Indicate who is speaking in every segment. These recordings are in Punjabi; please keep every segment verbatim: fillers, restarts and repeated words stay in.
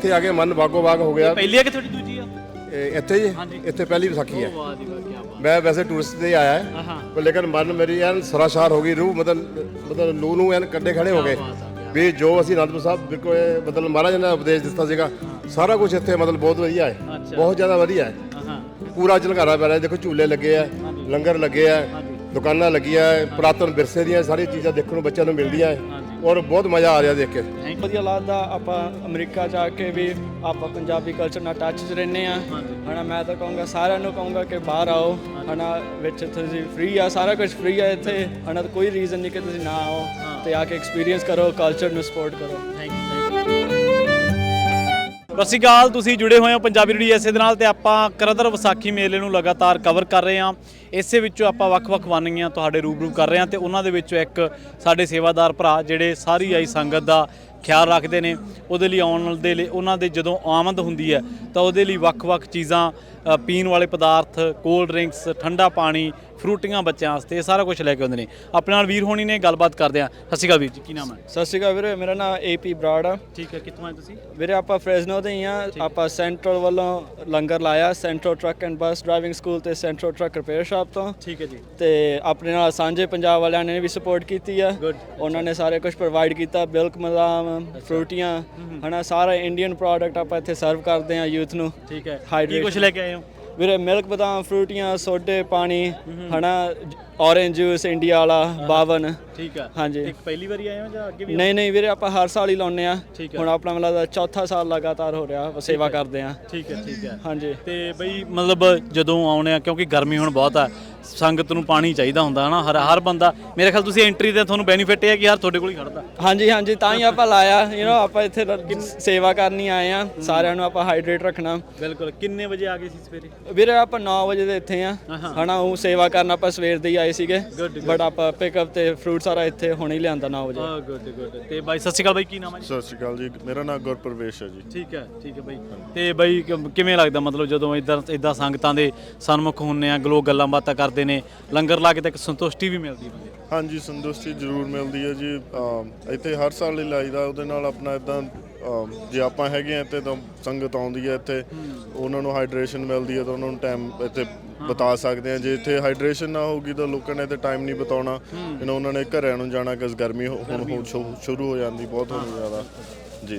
Speaker 1: ਇੱਥੇ ਆ ਕੇ ਮਨ ਬਾਗੋ ਬਾਗ ਹੋ ਗਿਆ।
Speaker 2: ਪਹਿਲੀ ਆ ਕਿ ਤੁਹਾਡੀ ਦੂਜੀ ਆ?
Speaker 1: ਇਹ ਇੱਥੇ ਜੀ ਇੱਥੇ ਪਹਿਲੀ ਵਿਸਾਖੀ ਹੈ।
Speaker 2: ਵਾਹ ਜੀ ਵਾਹ, ਕੀ ਬਾਤ।
Speaker 1: ਮੈਂ ਵੈਸੇ ਟੂਰਿਸਟ ਤੇ ਆਇਆ ਹੈ
Speaker 2: ਹਾਂ
Speaker 1: ਪਰ ਲੇਕਿਨ ਮਨ ਮੇਰੀ ਐਨ ਸਰਾਸ਼ਾਰ ਹੋ ਗਈ, ਰੂਹ ਮਤਲਬ ਮਤਲਬ ਲੂ ਨੂੰ ਐਨ ਕੱਡੇ ਖੜੇ ਹੋ ਗਏ ਵੀ ਜੋ ਅਸੀਂ ਅਨੰਦਪੁਰ ਸਾਹਿਬ ਬਿਲਕੁਲ ਮਤਲਬ ਮਹਾਰਾਜ ਨੇ ਉਪਦੇਸ਼ ਦਿੱਤਾ ਸੀਗਾ ਸਾਰਾ ਕੁਝ ਇੱਥੇ ਮਤਲਬ ਬਹੁਤ ਵਧੀਆ ਹੈ, ਬਹੁਤ ਜ਼ਿਆਦਾ ਵਧੀਆ ਹੈ। ਪੂਰਾ ਝਲਕਾਰਾ ਪੈ ਰਿਹਾ, ਦੇਖੋ ਝੂਲੇ ਲੱਗੇ ਆ, ਲੰਗਰ ਲੱਗੇ ਆ, ਦੁਕਾਨਾਂ ਲੱਗੀਆਂ, ਪੁਰਾਤਨ ਵਿਰਸੇ ਦੀਆਂ ਸਾਰੀਆਂ ਚੀਜ਼ਾਂ ਦੇਖਣ ਨੂੰ ਬੱਚਿਆਂ ਨੂੰ ਮਿਲਦੀਆਂ ਹੈ ਔਰ ਬਹੁਤ ਮਜ਼ਾ ਆ ਰਿਹਾ ਦੇਖ ਕੇ।
Speaker 3: ਵਧੀਆ ਲੱਗਦਾ। ਆਪਾਂ ਅਮਰੀਕਾ ਜਾ ਕੇ ਵੀ ਆਪਾਂ ਪੰਜਾਬੀ ਕਲਚਰ ਨਾਲ ਟੱਚ 'ਚ ਰਹਿੰਦੇ ਆ ਹਨਾ। ਮੈਂ ਤਾਂ ਕਹੂੰਗਾ ਸਾਰਿਆਂ ਨੂੰ ਕਹੂੰਗਾ ਕਿ ਬਾਹਰ ਆਓ ਹਨਾ, ਵਿੱਚ ਤੁਸੀਂ ਫ੍ਰੀ ਆ, ਸਾਰਾ ਕੁਝ ਫ੍ਰੀ ਆ ਇੱਥੇ ਹਨਾ, ਕੋਈ ਰੀਜ਼ਨ ਨਹੀਂ ਕਿ ਤੁਸੀਂ ਨਾ ਆਓ ਤੇ ਆ ਕੇ ਐਕਸਪੀਰੀਅੰਸ ਕਰੋ, ਕਲਚਰ ਨੂੰ ਸਪੋਰਟ ਕਰੋ।
Speaker 2: Thank you. ਸਤਿ ਸ਼੍ਰੀ ਅਕਾਲ, ਤੁਸੀਂ ਜੁੜੇ ਹੋਏ ਹੋ ਪੰਜਾਬੀ ਰੇਡੀਓ ਐਸੇ ਦੇ ਨਾਲ ਤੇ ਆਪਾਂ ਕਰਦਰ ਵਿਸਾਖੀ ਮੇਲੇ ਨੂੰ ਲਗਾਤਾਰ ਕਵਰ ਕਰ ਰਹੇ ਹਾਂ। ਇਸੇ ਵਿੱਚੋਂ ਆਪਾਂ ਵੱਖ-ਵੱਖ ਵਾਨੀਆਂ ਤੁਹਾਡੇ ਰੂਬਰੂ ਕਰ ਰਹੇ ਹਾਂ ਤੇ ਉਹਨਾਂ ਦੇ ਵਿੱਚੋਂ ਇੱਕ ਸਾਡੇ ਸੇਵਾਦਾਰ ਭਰਾ ਜਿਹੜੇ ਸਾਰੀ ਆਈ ਸੰਗਤ ਦਾ ਖਿਆਲ ਰੱਖਦੇ ਨੇ, ਉਹਦੇ ਲਈ ਆਉਣ ਦੇ ਲਈ ਉਹਨਾਂ ਦੇ ਜਦੋਂ ਆਮਦ ਹੁੰਦੀ ਹੈ ਤਾਂ ਉਹਦੇ ਲਈ ਵੱਖ-ਵੱਖ ਚੀਜ਼ਾਂ, ਪੀਣ ਵਾਲੇ ਪਦਾਰਥ, ਕੋਲਡ ਡਰਿੰਕਸ, ਠੰਡਾ ਪਾਣੀ, ਫਰੂਟੀਆਂ ਬੱਚਿਆਂ ਵਾਸਤੇ, ਇਹ ਸਾਰਾ ਕੁਝ ਲੈ ਕੇ ਆਉਂਦੇ ਨੇ। ਆਪਣੇ ਨਾਲ ਵੀਰ ਹੋਣੀ ਨੇ ਗੱਲਬਾਤ ਕਰਦੇ ਆ। ਸਤਿ ਸ਼੍ਰੀ ਅਕਾਲ ਵੀਰ ਜੀ, ਕੀ ਨਾਮ ਹੈ?
Speaker 3: ਸਤਿ ਸ਼੍ਰੀ ਅਕਾਲ ਵੀਰੇ, ਮੇਰਾ ਨਾਮ ਏ ਪੀ ਬਰਾੜ ਆ।
Speaker 2: ਠੀਕ ਹੈ, ਕਿੱਥੋਂ ਆਏ ਤੁਸੀਂ?
Speaker 3: ਵੀਰੇ ਆਪਾਂ ਫਰੈਜ਼ਨੋ ਦੇ ਹੀ ਆ। ਆਪਾਂ ਸੈਂਟਰਲ ਵੱਲੋਂ ਲੰਗਰ ਲਾਇਆ, central truck and bus driving school ਤੇ ਸੈਂਟਰਲ ਟਰੱਕ ਰਿਪੇਅਰ ਸ਼ਾਪ ਤੋਂ।
Speaker 2: ਠੀਕ ਹੈ ਜੀ।
Speaker 3: ਤੇ ਆਪਣੇ ਨਾਲ ਸਾਂਝੇ ਪੰਜਾਬ ਵਾਲਿਆਂ ਨੇ ਵੀ ਸਪੋਰਟ ਕੀਤੀ ਆ। ਉਹਨਾਂ ਨੇ ਸਾਰੇ ਕੁਝ ਪ੍ਰੋਵਾਈਡ ਕੀਤਾ, ਮਿਲਕ ਮਦਾਮ, ਫਰੂਟੀਆਂ ਹਨਾ, ਸਾਰਾ ਇੰਡੀਅਨ ਪ੍ਰੋਡਕਟ ਆਪਾਂ ਇੱਥੇ ਸਰਵ ਕਰਦੇ ਆ ਯੂਥ ਨੂੰ।
Speaker 2: ਠੀਕ ਹੈ, ਕੀ ਕੁਝ ਲੈ ਕੇ ਆਏ ਹੋ
Speaker 3: ਵੀਰੇ? ਮਿਲਕ ਬਦਾਮ, ਫਰੂਟੀਆਂ, ਸੋਡੇ, ਪਾਣੀ ਹਨਾ, ਔਰੇਂਜ ਜੂਸ ਇੰਡੀਆ ਵਾਲਾ ਬਾਵਨ।
Speaker 2: ਠੀਕ ਹੈ।
Speaker 3: ਹਾਂਜੀ।
Speaker 2: ਇੱਕ ਪਹਿਲੀ ਵਾਰੀ ਆਏ ਹੋ ਜਾਂ ਅੱਗੇ ਵੀ?
Speaker 3: ਨਹੀਂ ਨਹੀਂ ਵੀਰੇ, ਆਪਾਂ ਹਰ ਸਾਲ ਹੀ ਲਾਉਂਦੇ ਆ। ਹੁਣ ਆਪਣਾ ਮਤਲਬ ਚੌਥਾ ਸਾਲ ਲਗਾਤਾਰ ਹੋ ਰਿਹਾ ਸੇਵਾ ਕਰਦੇ ਆ।
Speaker 2: ਠੀਕ ਹੈ ਠੀਕ ਹੈ।
Speaker 3: ਹਾਂਜੀ।
Speaker 2: ਤੇ ਬਈ ਮਤਲਬ ਜਦੋਂ ਆਉਣੇ ਆ, ਕਿਉਂਕਿ ਗਰਮੀ ਹੁਣ ਬਹੁਤ ਆ, ਸੰਗਤ ਨੂੰ ਪਾਣੀ ਚਾਹੀਦਾ ਹੁੰਦਾ ਹਨਾ, ਹਰ ਹਰ ਬੰਦਾ। ਮੇਰੇ ਖਿਆਲ ਤੁਸੀਂ ਐਂਟਰੀ ਤੇ ਤੁਹਾਨੂੰ ਬੈਨੀਫਿਟ ਇਹ ਹੈ ਕਿ ਯਾਰ ਤੁਹਾਡੇ ਕੋਲ ਹੀ ਖੜਦਾ।
Speaker 3: ਹਾਂਜੀ ਹਾਂਜੀ, ਤਾਂ ਹੀ ਆਪਾਂ ਲਾਇਆ। ਯੂ نو ਆਪਾਂ ਇੱਥੇ ਸੇਵਾ ਕਰਨੀ ਆਏ ਆ, ਸਾਰਿਆਂ ਨੂੰ ਆਪਾਂ ਹਾਈਡਰੇਟ ਰੱਖਣਾ।
Speaker 2: ਬਿਲਕੁਲ। ਕਿੰਨੇ ਵਜੇ ਆ ਗਏ ਸੀ ਸਵੇਰੇ?
Speaker 3: ਵੀਰੇ ਆਪਾਂ ਨੌ ਵਜੇ ਦੇ ਇੱਥੇ ਆ ਹਨਾ, ਉਹ ਸੇਵਾ ਕਰਨ ਆਪਾਂ ਸਵੇਰ ਦੇ ਹੀ ਆਏ ਸੀਗੇ, ਬਟ ਆਪਾਂ ਪਿਕਅਪ ਤੇ ਫਰੂਟ ਸਾਰਾ ਇੱਥੇ ਹੁਣੇ ਹੀ ਲਿਆਂਦਾ ਨੌ ਵਜੇ।
Speaker 2: ਹਾਂ, ਗੁੱਡ ਗੁੱਡ। ਤੇ ਬਾਈ ਸਤਿ ਸ਼੍ਰੀ ਅਕਾਲ, ਬਾਈ ਕੀ ਨਾਮ ਹੈ ਜੀ?
Speaker 4: ਸਤਿ ਸ਼੍ਰੀ ਅਕਾਲ ਜੀ, ਮੇਰਾ ਨਾਮ ਗੁਰਪ੍ਰਵੇਸ਼ ਹੈ ਜੀ।
Speaker 2: ਠੀਕ ਹੈ ਠੀਕ ਹੈ ਬਾਈ। ਤੇ ਬਾਈ ਕਿਵੇਂ ਲੱਗਦਾ ਮਤਲਬ ਜਦੋਂ ਇੱਦਾਂ ਇੱਦਾਂ ਸੰਗਤਾਂ ਦੇ ਸਨਮੁਖ ਹੁੰਦੇ ਆ, ਲੋਕ ਗੱਲਾਂ ਬਾਤਾਂ ਕਰਦੇ ਨੇ, ਲੰਗਰ ਲਾ ਕੇ ਤਾਂ ਇੱਕ ਸੰਤੁਸ਼ਟੀ ਵੀ ਮਿਲਦੀ ਬੰਦੇ?
Speaker 4: ਹਾਂਜੀ, ਸੰਤੁਸ਼ਟੀ ਜ਼ਰੂਰ ਮਿਲਦੀ ਹੈ ਜੀ। ਇੱਥੇ ਹਰ ਸਾਲ ਹੀ ਲਾਈਦਾ, ਉਹਦੇ ਨਾਲ ਆਪਣਾ ਇੱਦਾਂ ਜੇ ਆਪਾਂ ਹੈਗੇ ਆ ਇੱਥੇ ਤਾਂ ਸੰਗਤ ਆਉਂਦੀ ਹੈ ਇੱਥੇ, ਉਹਨਾਂ ਨੂੰ ਹਾਈਡਰੇਸ਼ਨ ਮਿਲਦੀ ਹੈ ਤਾਂ ਉਹਨਾਂ ਨੂੰ ਟਾਈਮ ਇੱਥੇ ਬਿਤਾ ਸਕਦੇ ਆ। ਜੇ ਇੱਥੇ ਹਾਈਡਰੇਸ਼ਨ ਨਾ ਹੋਊਗੀ ਤਾਂ ਲੋਕਾਂ ਨੇ ਇੱਥੇ ਟਾਈਮ ਨਹੀਂ ਬਿਤਾਉਣਾ, ਇਹਨਾਂ ਉਹਨਾਂ ਨੇ ਘਰਿਆਂ ਨੂੰ ਜਾਣਾ ਕਿਉਂਕਿ ਗਰਮੀ ਹੁਣ ਸ਼ੁਰੂ ਹੋ ਜਾਂਦੀ ਬਹੁਤ ਹੋਣੀ ਜ਼ਿਆਦਾ ਜੀ।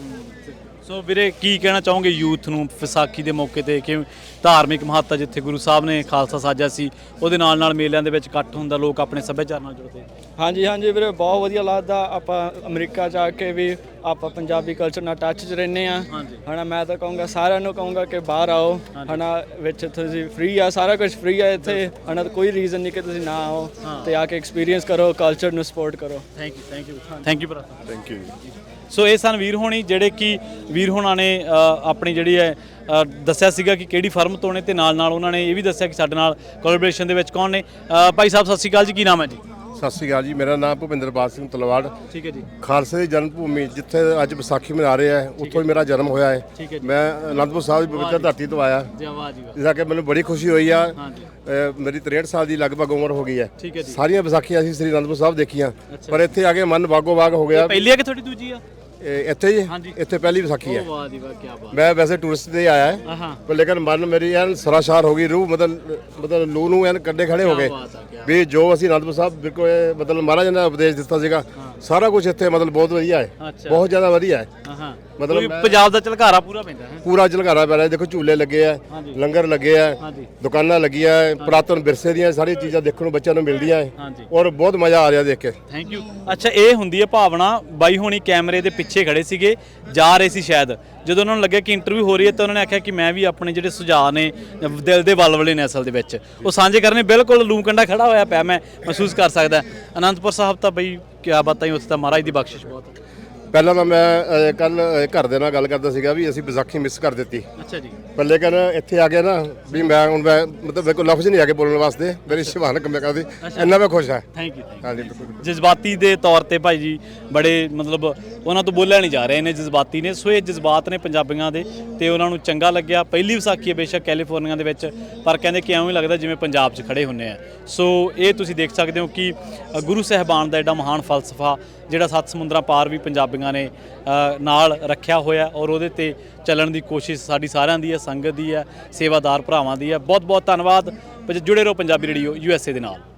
Speaker 2: ਸੋ ਵੀਰੇ ਕੀ ਕਹਿਣਾ ਚਾਹੋਗੇ ਯੂਥ ਨੂੰ ਵਿਸਾਖੀ ਦੇ ਮੌਕੇ ਤੇ, ਕਿ ਧਾਰਮਿਕ ਮਹੱਤਤਾ ਜਿੱਥੇ ਗੁਰੂ ਸਾਹਿਬ ਨੇ ਖਾਲਸਾ ਸਾਜਿਆ ਸੀ, ਉਹਦੇ ਨਾਲ ਨਾਲ ਮੇਲਿਆਂ ਦੇ ਵਿੱਚ ਇਕੱਠ ਹੁੰਦਾ, ਲੋਕ ਆਪਣੇ ਸੱਭਿਆਚਾਰ ਨਾਲ ਜੁੜਦੇ?
Speaker 3: ਹਾਂਜੀ ਹਾਂਜੀ ਵੀਰੇ, ਬਹੁਤ ਵਧੀਆ ਲੱਗਦਾ। ਆਪਾਂ ਅਮਰੀਕਾ ਜਾ ਕੇ ਵੀ ਆਪਾਂ ਪੰਜਾਬੀ ਕਲਚਰ ਨਾਲ ਟੱਚ 'ਚ ਰਹਿੰਦੇ ਆ ਹਨਾ। ਮੈਂ ਤਾਂ ਕਹੂੰਗਾ ਸਾਰਿਆਂ ਨੂੰ ਕਹੂੰਗਾ ਕਿ ਬਾਹਰ ਆਓ ਹਨਾ, ਵਿੱਚ ਤੁਸੀਂ ਫ੍ਰੀ ਆ, ਸਾਰਾ ਕੁਝ ਫ੍ਰੀ ਆ ਇੱਥੇ ਹਨਾ, ਕੋਈ ਰੀਜ਼ਨ ਨਹੀਂ ਕਿ ਤੁਸੀਂ ਨਾ ਆਓ ਤੇ ਆ ਕੇ ਐਕਸਪੀਰੀਅੰਸ ਕਰੋ, ਕਲਚਰ ਨੂੰ ਸਪੋਰਟ ਕਰੋ।
Speaker 2: Thank you thank you thank you ਭਰਾ, ਥੈਂਕ ਯੂ। ਸੋ ਇਹ ਸਨ ਵੀਰ ਹੋਣੀ, ਜਿਹੜੇ ਕਿ ਵੀਰ ਹੋਣਾ ਨੇ ਆਪਣੀ ਜਿਹੜੀ ਹੈ ਦੱਸਿਆ ਸੀਗਾ ਕਿ ਕਿਹੜੀ ਫਰਮ ਤੋਂ ਨੇ, ਤੇ ਨਾਲ ਨਾਲ ਉਹਨਾਂ ਨੇ ਇਹ ਵੀ ਦੱਸਿਆ ਕਿ ਸਾਡੇ ਨਾਲ ਕੋਲੈਬੋਰੇਸ਼ਨ ਦੇ ਵਿੱਚ ਕੌਣ ਨੇ। ਭਾਈ ਸਾਹਿਬ ਸਤਿ ਸ਼੍ਰੀ ਅਕਾਲ ਜੀ, ਕੀ ਨਾਮ ਹੈ ਜੀ?
Speaker 1: ਸਤਿ ਸ਼੍ਰੀ ਅਕਾਲ ਜੀ, ਮੇਰਾ ਨਾਮ ਭੁਪਿੰਦਰਪਾਲ ਸਿੰਘ ਤਲਵਾੜ।
Speaker 2: ਠੀਕ ਹੈ ਜੀ।
Speaker 1: ਖਾਲਸੇ ਦੀ ਜਨਮ ਭੂਮੀ ਜਿੱਥੇ ਅੱਜ ਵਿਸਾਖੀ ਮਨਾ ਰਹੇ ਆ, ਉੱਥੋਂ ਹੀ ਮੇਰਾ ਜਨਮ ਹੋਇਆ ਹੈ। ਮੈਂ ਅਨੰਦਪੁਰ ਸਾਹਿਬ ਦੀ ਪਵਿੱਤਰ ਧਰਤੀ ਤੋਂ ਆਇਆ, ਜਿਸ ਕਿ ਮੈਨੂੰ ਬੜੀ ਖੁਸ਼ੀ ਹੋਈ ਆ। ਮੇਰੀ ਤਰੇਹਠ ਸਾਲ ਦੀ ਲਗਭਗ ਉਮਰ ਹੋ ਗਈ ਹੈ। ਸਾਰੀਆਂ ਵਿਸਾਖੀਆਂ ਅਸੀਂ ਸ੍ਰੀ ਅਨੰਦਪੁਰ ਸਾਹਿਬ ਦੇਖੀਆਂ, ਪਰ ਇੱਥੇ ਆ ਕੇ ਮਨ ਬਾਗੋ ਬਾਗ ਹੋ ਗਿਆ।
Speaker 2: ਪਹਿਲੀ ਆ ਕਿ ਤੁਹਾਡੀ ਦੂਜੀ ਆ?
Speaker 1: ਇੱਥੇ ਜੀ ਇੱਥੇ ਪਹਿਲੀ ਵਿਸਾਖੀ ਹੈ।
Speaker 2: ਵਾਹ ਜੀ ਵਾਹ, ਕੀ ਬਾਤ।
Speaker 1: ਮੈਂ ਵੈਸੇ ਟੂਰਿਸਟ ਤੇ ਆਇਆ ਹੈ ਪਰ ਲੇਕਿਨ ਮਨ ਮੇਰੀ ਐਨ ਸਰਾਸ਼ਾਰ ਹੋ ਗਈ, ਰੂਹ ਮਤਲਬ ਮਤਲਬ ਲੂ ਨੂੰ ਐਨ ਕੱਡੇ ਖੜੇ ਹੋ ਗਏ ਵੀ ਜੋ ਅਸੀਂ ਅਨੰਦਪੁਰ ਸਾਹਿਬ ਬਿਲਕੁਲ ਮਤਲਬ ਮਹਾਰਾਜ ਨੇ ਉਪਦੇਸ਼ ਦਿੱਤਾ ਸੀਗਾ ਸਾਰਾ ਕੁਝ ਇੱਥੇ ਮਤਲਬ ਬਹੁਤ ਵਧੀਆ ਹੈ, ਬਹੁਤ ਜ਼ਿਆਦਾ ਵਧੀਆ ਹੈ।
Speaker 2: ਮਤਲਬ ਪੰਜਾਬ ਦਾ ਝਲਕਾਰਾ ਪੂਰਾ ਪੈਂਦਾ ਹੈ,
Speaker 1: ਪੂਰਾ ਝਲਕਾਰਾ ਪੈ ਰਿਹਾ। ਦੇਖੋ ਝੂਲੇ ਲੱਗੇ ਆ, ਲੰਗਰ ਲੱਗੇ ਆ, ਦੁਕਾਨਾਂ ਲੱਗੀਆਂ, ਪੁਰਾਤਨ ਵਿਰਸੇ ਦੀਆਂ ਸਾਰੀਆਂ ਚੀਜ਼ਾਂ ਦੇਖਣ ਨੂੰ ਬੱਚਿਆਂ ਨੂੰ ਮਿਲਦੀਆਂ ਹੈ ਔਰ ਬਹੁਤ ਮਜ਼ਾ ਆ ਰਿਹਾ ਦੇਖ ਕੇ।
Speaker 2: Thank you. ਅੱਛਾ, ਇਹ ਹੁੰਦੀ ਹੈ ਭਾਵਨਾ। ਬਾਈ ਹੋਣੀ ਕੈਮਰੇ ਦੇ ਪਿੱਛੇ ਖੜੇ ਸੀਗੇ, ਜਾ ਰਹੇ ਸੀ ਸ਼ਾਇਦ, ਜਦੋਂ ਉਹਨਾਂ ਨੂੰ ਲੱਗਿਆ ਕਿ ਇੰਟਰਵਿਊ ਹੋ ਰਹੀ ਹੈ ਤਾਂ ਉਹਨਾਂ ਨੇ ਆਖਿਆ ਕਿ ਮੈਂ ਵੀ ਆਪਣੇ ਜਿਹੜੇ ਸੁਝਾਅ ਨੇ ਦਿਲ ਦੇ ਵਲਵਲੇ ਨੇ ਅਸਲ ਦੇ ਵਿੱਚ ਉਹ ਸਾਂਝੇ ਕਰਨੇ। ਬਿਲਕੁਲ ਲੂ ਕੰਡਾ ਖੜਾ ਹੋਇਆ ਪਿਆ, ਮੈਂ ਮਹਿਸੂਸ ਕਰ ਸਕਦਾ। ਅਨੰਦਪੁਰ ਸਾਹਿਬ ਤਾਂ ਬਈ ਕਿਆ ਬਾਤਾਂ ਹੀ, ਉੱਥੇ ਤਾਂ ਮਹਾਰਾਜ ਦੀ ਬਖਸ਼ਿਸ਼ ਬਹੁਤ।
Speaker 1: ਪਹਿਲਾਂ ਤਾਂ ਮੈਂ ਕੱਲ ਘਰ ਦੇ ਨਾਲ ਗੱਲ ਕਰਦਾ ਸੀਗਾ ਵੀ ਅਸੀਂ ਵਿਸਾਖੀ ਮਿਸ ਕਰ ਦਿੱਤੀ।
Speaker 2: ਅੱਛਾ ਜੀ।
Speaker 1: ਪਰ ਲੇਕਿਨ ਇੱਥੇ ਆ ਗਿਆ ਨਾ ਵੀ ਮੈਂ ਹੁਣ ਮੈਂ ਮਤਲਬ ਮੇਰੇ ਕੋਲ ਲਫ਼ਜ਼ ਨਹੀਂ ਆ ਕੇ ਬੋਲਣ ਵਾਸਤੇ, ਮੇਰੀ ਸ਼ਿਵਾਨ ਕੰਮ ਕਰਦੀ, ਇੰਨਾ ਮੈਂ ਖੁਸ਼ ਹਾਂ।
Speaker 2: Thank you.
Speaker 1: ਹਾਂਜੀ,
Speaker 2: ਜਜ਼ਬਾਤੀ ਦੇ ਤੌਰ ਤੇ ਭਾਈ ਜੀ ਬੜੇ ਮਤਲਬ ਉਹਨਾਂ ਤੋਂ ਬੋਲਿਆ ਨਹੀਂ ਜਾ ਰਿਹਾ, ਇਹਨੇ ਜਜ਼ਬਾਤੀ ਨੇ। ਸੋ ਇਹ ਜਜ਼ਬਾਤ ਨੇ ਪੰਜਾਬੀਆਂ ਦੇ ਤੇ ਉਹਨਾਂ ਨੂੰ ਚੰਗਾ ਲੱਗਿਆ। ਪਹਿਲੀ ਵਿਸਾਖੀ ਹੈ ਬੇਸ਼ੱਕ ਕੈਲੀਫੋਰਨੀਆ ਦੇ ਵਿੱਚ, ਪਰ ਕਹਿੰਦੇ ਕਿ ਐਵੇਂ ਲੱਗਦਾ ਜਿਵੇਂ ਪੰਜਾਬ 'ਚ ਖੜੇ ਹੁੰਦੇ ਆ। ਸੋ ਇਹ ਤੁਸੀਂ ਦੇਖ ਸਕਦੇ ਹੋ ਕਿ ਗੁਰੂ ਸਾਹਿਬਾਨ ਦਾ ਐਡਾ ਮਹਾਨ ਫਲਸਫਾ ਜਿਹੜਾ ਸੱਤ ਸਮੁੰਦਰਾਂ ਪਾਰ ਵੀ ਪੰਜਾਬੀਆਂ ਨੇ ਅ, ਨਾਲ ਰੱਖਿਆ ਹੋਇਆ ਔਰ ਉਹਦੇ ਤੇ ਚੱਲਣ ਦੀ ਕੋਸ਼ਿਸ਼ ਸਾਡੀ ਸਾਰਿਆਂ ਦੀ ਹੈ, ਸੰਗਤ ਦੀ ਹੈ, ਸੇਵਾਦਾਰ ਭਰਾਵਾਂ ਦੀ ਹੈ। ਬਹੁਤ ਬਹੁਤ ਧੰਨਵਾਦ। ਜੁੜੇ ਰਹੋ Punjabi radio U S A ਦੇ ਨਾਲ।